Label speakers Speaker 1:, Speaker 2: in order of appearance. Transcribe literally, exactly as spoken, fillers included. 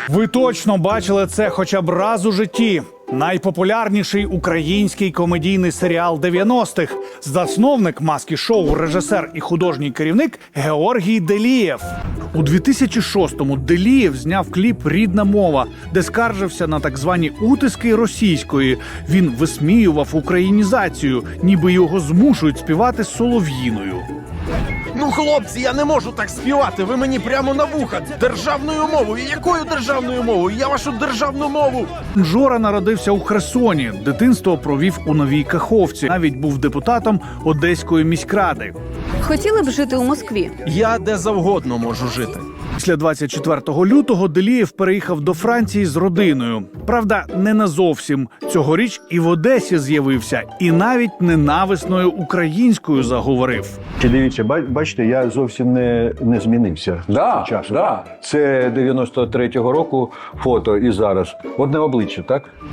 Speaker 1: Ви точно бачили це хоча б раз у житті. Найпопулярніший український комедійний серіал дев'яностих. Засновник «Маски-шоу», режисер і художній керівник Георгій Делієв. У дві тисячі шостому Делієв зняв кліп «Рідна мова», де скаржився на так звані утиски російської. Він висміював українізацію, ніби його змушують співати з солов'їною.
Speaker 2: Ну, хлопці, я не можу так співати. Ви мені прямо на вуха. Державною мовою. Якою державною мовою? Я вашу державну мову.
Speaker 1: Жора народився у Херсоні. Дитинство провів у Новій Каховці. Навіть був депутатом Одеської міськради.
Speaker 3: Хотіли б жити у Москві?
Speaker 2: Я де завгодно можу жити.
Speaker 1: Після двадцять четвертого лютого Делієв переїхав до Франції з родиною. Правда, не назовсім. Цьогоріч і в Одесі з'явився, і навіть ненависною українською заговорив.
Speaker 4: Чи дивіться, ба- бачите, я зовсім не, не змінився
Speaker 5: Да,
Speaker 4: з часу.
Speaker 5: да.
Speaker 4: Це дев'яносто третього року фото і зараз. Одне обличчя, так?